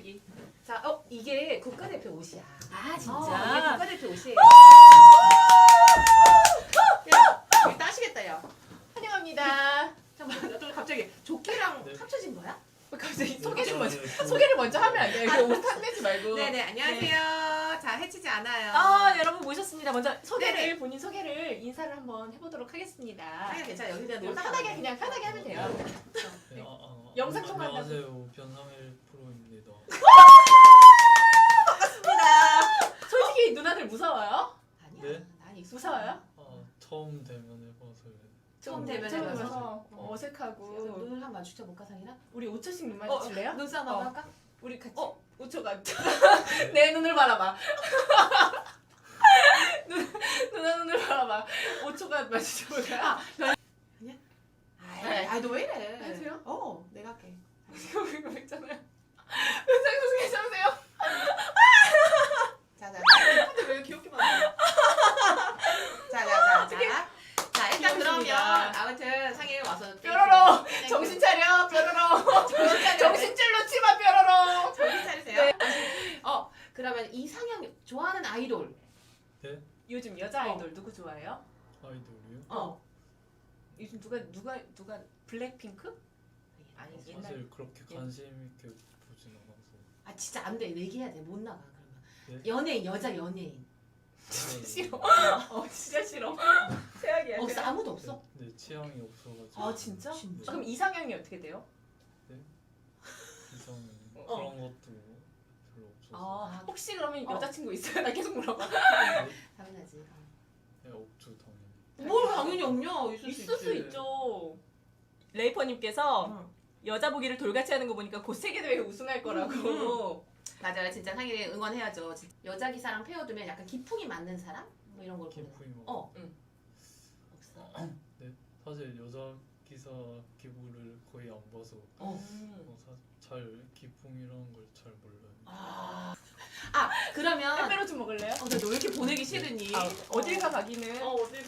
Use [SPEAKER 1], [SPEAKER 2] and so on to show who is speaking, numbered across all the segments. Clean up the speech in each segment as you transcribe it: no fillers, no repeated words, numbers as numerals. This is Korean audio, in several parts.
[SPEAKER 1] 띄우기.
[SPEAKER 2] 자, 이게 국가대표 옷이야.
[SPEAKER 1] 아
[SPEAKER 2] 이게
[SPEAKER 1] 진짜.
[SPEAKER 2] 국가대표 옷이에요. 야, 여기 따시겠다, 야.
[SPEAKER 1] 환영합니다.
[SPEAKER 2] 잠깐만, 또 갑자기 조끼랑
[SPEAKER 3] 네.
[SPEAKER 2] 합쳐진 거야?
[SPEAKER 1] 갑자기
[SPEAKER 3] 네,
[SPEAKER 1] 소개 좀 먼저
[SPEAKER 3] 네.
[SPEAKER 1] 소개를 먼저 하면 안 돼요. 이거 옷 탐내지 말고.
[SPEAKER 2] 네네, 안녕하세요. 자, 해치지 않아요.
[SPEAKER 1] 아 여러분 모셨습니다. 먼저 소개를
[SPEAKER 2] 네네.
[SPEAKER 1] 본인 소개를 인사를 한번 해보도록 하겠습니다.
[SPEAKER 2] 아니, 괜찮아. 여기다
[SPEAKER 1] 그냥 편하게 그냥 편하게 하면 돼요.
[SPEAKER 3] 네,
[SPEAKER 1] 영상 통화한다고.
[SPEAKER 3] 안녕하세요. 변상일 프로입니다.
[SPEAKER 1] 솔직히 누나들 무서워요?
[SPEAKER 2] 아니야.
[SPEAKER 3] 네?
[SPEAKER 2] 난 익숙해.
[SPEAKER 1] 무서워요?
[SPEAKER 3] 처음 대면해봐서
[SPEAKER 2] 처음 대면에
[SPEAKER 1] 처음
[SPEAKER 2] 봐서.
[SPEAKER 1] 봐서
[SPEAKER 2] 그래서
[SPEAKER 1] 어색하고.
[SPEAKER 2] 눈을 한번 마주쳐 볼까, 상이랑?
[SPEAKER 1] 우리 5초씩 눈 마주칠래요?
[SPEAKER 2] 눈싸움
[SPEAKER 1] 어.
[SPEAKER 2] 한번 할까?
[SPEAKER 1] 우리 같이 5초가 내 눈을 바라봐. 누나 눈을 바라봐. 5초가 마주쳐볼까요? 네.
[SPEAKER 2] 너 왜 이래?
[SPEAKER 1] 해주세요?
[SPEAKER 2] 내가 할게.
[SPEAKER 1] 지금 이거 있잖아요. 현상수 괜찮으세요?
[SPEAKER 2] 자,
[SPEAKER 1] 근데 왜 귀엽게 만들어?
[SPEAKER 2] 자, 일단 그러면
[SPEAKER 1] 귀여우십니다.
[SPEAKER 2] 아무튼 상일 와서
[SPEAKER 1] 뾰로로
[SPEAKER 2] 땡큐.
[SPEAKER 1] 정신 차려 뾰로로
[SPEAKER 2] 정신 차려.
[SPEAKER 1] 정신줄 놓지 마 뾰로로.
[SPEAKER 2] 정신 차리세요. 그러면 이상형 좋아하는 아이돌.
[SPEAKER 1] 요즘 여자 아이돌 누구 좋아해요?
[SPEAKER 3] 아이돌이요?
[SPEAKER 1] 요즘 누가 블랙핑크? 아니 옛날
[SPEAKER 3] 사실 그렇게 관심 있게 보진 않아서.
[SPEAKER 2] 아 진짜 안 돼. 얘기해야 돼. 못 나가 그러면.
[SPEAKER 3] 네?
[SPEAKER 2] 연예인 여자 연예인.
[SPEAKER 1] 싫어. 진짜 싫어. 최악이야.
[SPEAKER 2] 없어 아무도 없어.
[SPEAKER 3] 네, 취향이 없어가지고.
[SPEAKER 1] 아 진짜?
[SPEAKER 2] 진짜?
[SPEAKER 1] 그럼 이상형이 어떻게 돼요?
[SPEAKER 3] 이상
[SPEAKER 1] 어.
[SPEAKER 3] 그런 것도 별로 없어서.
[SPEAKER 1] 혹시 그러면 여자친구 있어요? 나 계속 물어봐.
[SPEAKER 2] 당연하지.
[SPEAKER 3] 네, 없죠 당연히.
[SPEAKER 2] 뭘 당연히 없냐?
[SPEAKER 1] 있을 수 있죠. 레이퍼님께서 여자 보기를 돌같이 하는 거 보니까 곧 세계대회 우승할 거라고.
[SPEAKER 2] 맞아요. 진짜 상일이 응원해야죠. 여자 기사랑 페어두면 약간 기풍이 맞는 사람? 뭐 이런 걸 보는.
[SPEAKER 3] 기분이 뭐.
[SPEAKER 2] 없어.
[SPEAKER 3] 사실 여자 기사 기부를 거의 안 봐서 잘 기풍이라는 걸 잘 몰라요.
[SPEAKER 2] 그러면
[SPEAKER 1] 빼빼로 좀 먹을래요?
[SPEAKER 2] 너 왜 이렇게 보내기 싫으니?
[SPEAKER 1] 어딜 가 가기는.
[SPEAKER 2] 어딜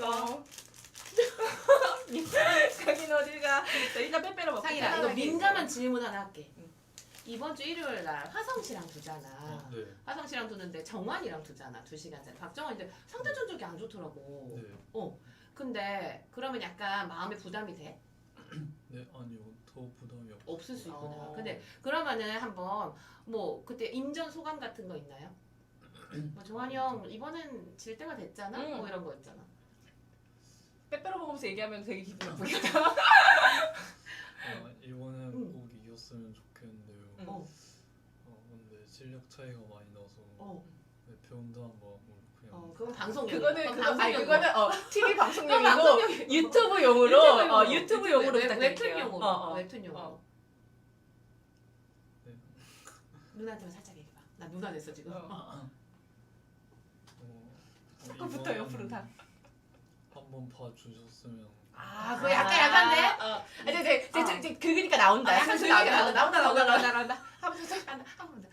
[SPEAKER 1] 가기는 어딜 가. 자, 일단 빼빼로 먹고.
[SPEAKER 2] 상일아 이거
[SPEAKER 1] 편안하게.
[SPEAKER 2] 민감한 질문 하나 할게.
[SPEAKER 1] 응.
[SPEAKER 2] 이번 주 일요일 날 화성 씨랑 두잖아.
[SPEAKER 3] 네.
[SPEAKER 2] 화성 씨랑 두는데 정환이랑 두잖아. 2시간짜리. 박정환 이제 상대 전적이 안 좋더라고.
[SPEAKER 3] 네.
[SPEAKER 2] 근데 그러면 약간 마음에 부담이 돼?
[SPEAKER 3] 네 아니요 더 부담이 없어요.
[SPEAKER 2] 없을 수 있구나.
[SPEAKER 1] 어.
[SPEAKER 2] 근데 그러면은 한번 뭐 그때 인전 소감 같은 거 있나요? 뭐 정환이 형 이번엔 질 때가 됐잖아.
[SPEAKER 1] 응.
[SPEAKER 2] 뭐 이런 거 있잖아.
[SPEAKER 1] 빼빼로 먹으면서 얘기하면 되게 기분 나쁘겠다.
[SPEAKER 3] 이번엔
[SPEAKER 2] 응.
[SPEAKER 3] 꼭 이겼으면 좋겠는데요.
[SPEAKER 1] 응.
[SPEAKER 3] 근데 실력 차이가 많이 나서 네, 배운다는 마음으로 그냥.
[SPEAKER 2] 그건 방송용.
[SPEAKER 1] 그거는 TV 방송용이고
[SPEAKER 2] 방송용이고.
[SPEAKER 1] 유튜브용으로 유튜브용으로 부탁드릴게요.
[SPEAKER 2] 웹툰용으로. 웹툰용으로.
[SPEAKER 3] 네.
[SPEAKER 2] 누나한테만 살짝 얘기해봐. 나 누나 됐어 지금.
[SPEAKER 1] 아까부터 옆으로 다.
[SPEAKER 3] 한번 봐주셨으면.
[SPEAKER 2] 그거 약간 약간데?
[SPEAKER 1] 네, 그니까 나온다.
[SPEAKER 2] 약간
[SPEAKER 1] 슬슬
[SPEAKER 2] 조용히
[SPEAKER 1] 나온다.
[SPEAKER 2] 한번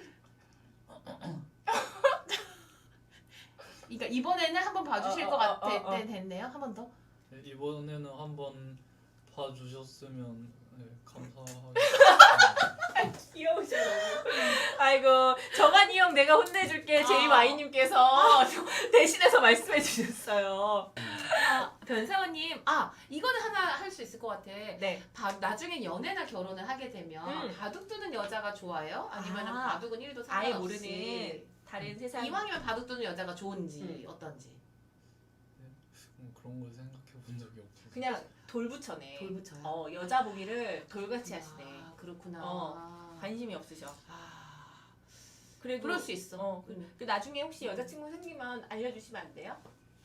[SPEAKER 2] 그러니까 이번에는 한번 봐주실 것 같아. 네, 됐네요. 한 번 더.
[SPEAKER 3] 네, 이번에는 한번 봐주셨으면 감사하겠습니다.
[SPEAKER 1] 귀여우셔. 아이고 정한이 형 내가 혼내줄게. JY님께서 대신해서 말씀해 주셨어요.
[SPEAKER 2] 변세원님, 이거는 하나 할 수 있을 것 같아.
[SPEAKER 1] 네.
[SPEAKER 2] 나중에 연애나 결혼을 하게 되면 바둑 두는 여자가 좋아요? 아니면 바둑은 1도
[SPEAKER 1] 아예
[SPEAKER 2] 상관없이
[SPEAKER 1] 모르는 다른 세상.
[SPEAKER 2] 이왕이면 바둑 두는 여자가 좋은지 어떤지.
[SPEAKER 3] 그런 걸 생각해 본 적이 없어서.
[SPEAKER 1] 그냥 돌부처네.
[SPEAKER 2] 돌부쳐요?
[SPEAKER 1] 여자 보기를 돌같이 하시네.
[SPEAKER 2] 그렇구나.
[SPEAKER 1] 관심이 없으셔. 그래도
[SPEAKER 2] 그럴 수 있어.
[SPEAKER 1] 그 나중에 혹시 여자친구 생기면 알려주시면 안 돼요?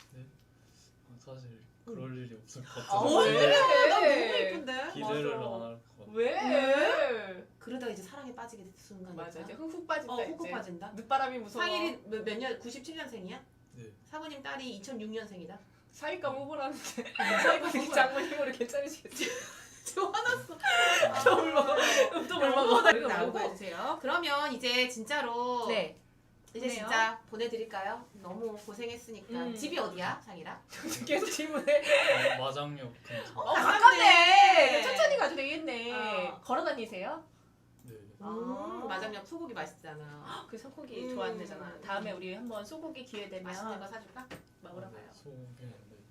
[SPEAKER 3] 사실 그럴 일이 없을 것
[SPEAKER 1] 아,
[SPEAKER 3] 같아서.
[SPEAKER 1] 왜?
[SPEAKER 2] 난 너무 예쁜데?
[SPEAKER 3] 기대를
[SPEAKER 1] 맞아.
[SPEAKER 3] 안 할 것 같아요.
[SPEAKER 1] 왜?
[SPEAKER 2] 그러다가 이제 사랑에 빠지게 된 순간이
[SPEAKER 1] 맞아.
[SPEAKER 2] 있다.
[SPEAKER 1] 이제 훅훅 빠진다.
[SPEAKER 2] 훅훅
[SPEAKER 1] 이제.
[SPEAKER 2] 빠진다.
[SPEAKER 1] 늦바람이 무서워.
[SPEAKER 2] 상일이 몇 년? 97년생이야?
[SPEAKER 3] 네.
[SPEAKER 2] 사부님 딸이 2006년생이다.
[SPEAKER 1] 사위감 후보라는데
[SPEAKER 2] 사위감
[SPEAKER 1] 사위감 장모님으로 괜찮으시겠지?
[SPEAKER 2] 저 화났어.
[SPEAKER 1] 또 물먹어. 또 물먹어.
[SPEAKER 2] 이거
[SPEAKER 1] 나오고
[SPEAKER 2] 말고.
[SPEAKER 1] 해주세요.
[SPEAKER 2] 그러면 이제 진짜로
[SPEAKER 1] 네.
[SPEAKER 2] 이제
[SPEAKER 1] 보내요.
[SPEAKER 2] 진짜 보내드릴까요? 너무 고생했으니까. 집이 어디야, 상일아?
[SPEAKER 1] 계속 질문해.
[SPEAKER 3] 마장역 근처.
[SPEAKER 1] 가깝네. 천천히 가도 되겠네. 걸어 다니세요?
[SPEAKER 3] 네.
[SPEAKER 1] 아.
[SPEAKER 2] 마장역 소고기 맛있잖아.
[SPEAKER 1] 그 소고기 좋아한대잖아. 다음에 우리 한번 소고기 기회 되면
[SPEAKER 2] 맛있는 거 사줄까?
[SPEAKER 1] 먹으러
[SPEAKER 3] 네,
[SPEAKER 1] 가요.
[SPEAKER 3] 소고기 네,